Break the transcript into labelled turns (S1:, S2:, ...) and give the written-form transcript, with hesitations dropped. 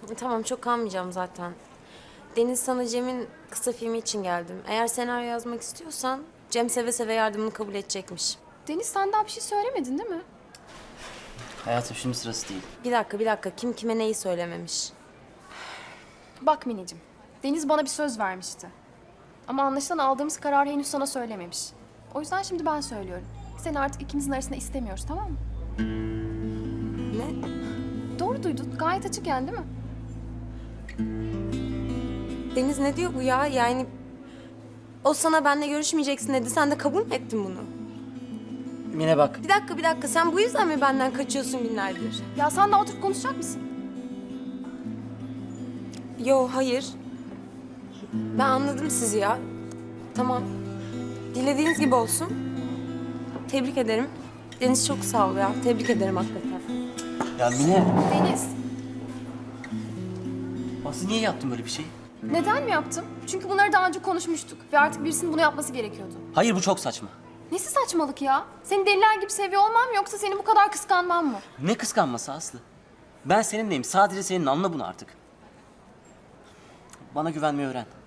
S1: Tamam, çok kalmayacağım zaten. Deniz, sana Cem'in kısa filmi için geldim. Eğer senaryo yazmak istiyorsan Cem seve seve yardımını kabul edecekmiş.
S2: Deniz, sen daha bir şey söylemedin değil mi?
S3: Hayatım şimdi sırası değil.
S1: Bir dakika. Kim kime neyi söylememiş?
S2: Bak Mineciğim, Deniz bana bir söz vermişti. Ama anlaşılan aldığımız kararı henüz sana söylememiş. O yüzden şimdi ben söylüyorum. Seni artık ikimizin arasında istemiyoruz, tamam mı?
S1: Ne?
S2: Doğru duydun. Gayet açık yani, değil mi?
S1: Deniz, ne diyor bu ya? Yani o sana benimle görüşmeyeceksin dedi. Sen de kabul mü ettin bunu?
S3: Mine bak.
S1: Bir dakika. Sen bu yüzden mi benden kaçıyorsun günlerdir?
S2: Ya sen de oturup konuşacak mısın?
S1: Yo, hayır. Ben anladım sizi ya. Tamam. Dilediğiniz gibi olsun. Tebrik ederim. Deniz, çok sağ ol ya. Tebrik ederim hakikaten.
S3: Ya Mine.
S2: Deniz,
S3: Aslı niye yaptın böyle bir şey?
S2: neden mi yaptım? Çünkü bunları daha önce konuşmuştuk ve artık birisinin bunu yapması gerekiyordu.
S3: Hayır bu çok saçma.
S2: Nesi saçmalık ya? Seni deliler gibi seviyor olmam mı yoksa seni bu kadar kıskanmam mı?
S3: Ne kıskanması Aslı? Ben seninleyim. Sadece senin, anla bunu artık. Bana güvenmeyi öğren.